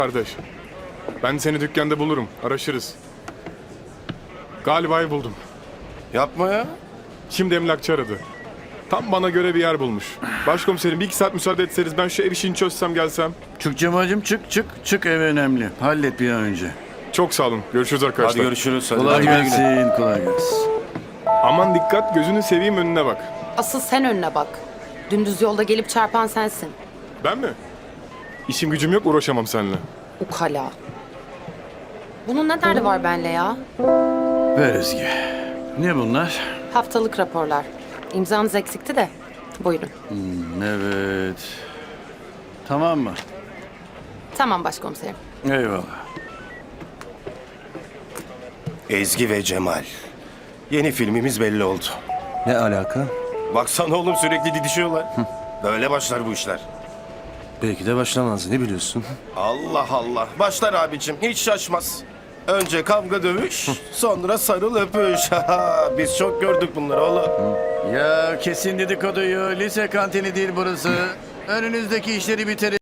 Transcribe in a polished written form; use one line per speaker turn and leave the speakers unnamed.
Kardeş, ben seni dükkanda bulurum, araşırız. Galiba buldum.
Yapma ya.
Şimdi emlakçı aradı. Tam bana göre bir yer bulmuş. Başkomiserim bir iki saat müsaade etseniz ben şu ev işini çözsem gelsem.
Çık Cemal'cim çık ev önemli. Hallet bir an önce.
Çok sağ olun. Görüşürüz arkadaşlar.
Hadi görüşürüz. Hadi.
Kolay
Hadi güle güle.
gelsin, kolay gelsin.
Aman dikkat, gözünü seveyim, önüne bak.
Asıl sen önüne bak. Dümdüz yolda gelip çarpan sensin.
Ben mi? İşim gücüm yok, uğraşamam seninle.
Ukala. Bunun ne derdi var benle ya?
Ver Ezgi. Ne bunlar?
Haftalık raporlar. İmzanız eksikti de. Buyurun.
Evet. Tamam mı?
Tamam başkomiserim.
Eyvallah.
Ezgi ve Cemal. Yeni filmimiz belli oldu.
Ne alaka?
Baksana oğlum sürekli didişiyorlar. Böyle başlar bu işler.
Belki de başlamaz. Ne biliyorsun?
Allah Allah. Başlar abicim. Hiç şaşmaz. Önce kavga dövüş, sonra sarıl öpüş. Biz çok gördük bunları oğlum.
Ya kesin dedikoduyu. Lise kantini değil burası. Önünüzdeki işleri bitirin.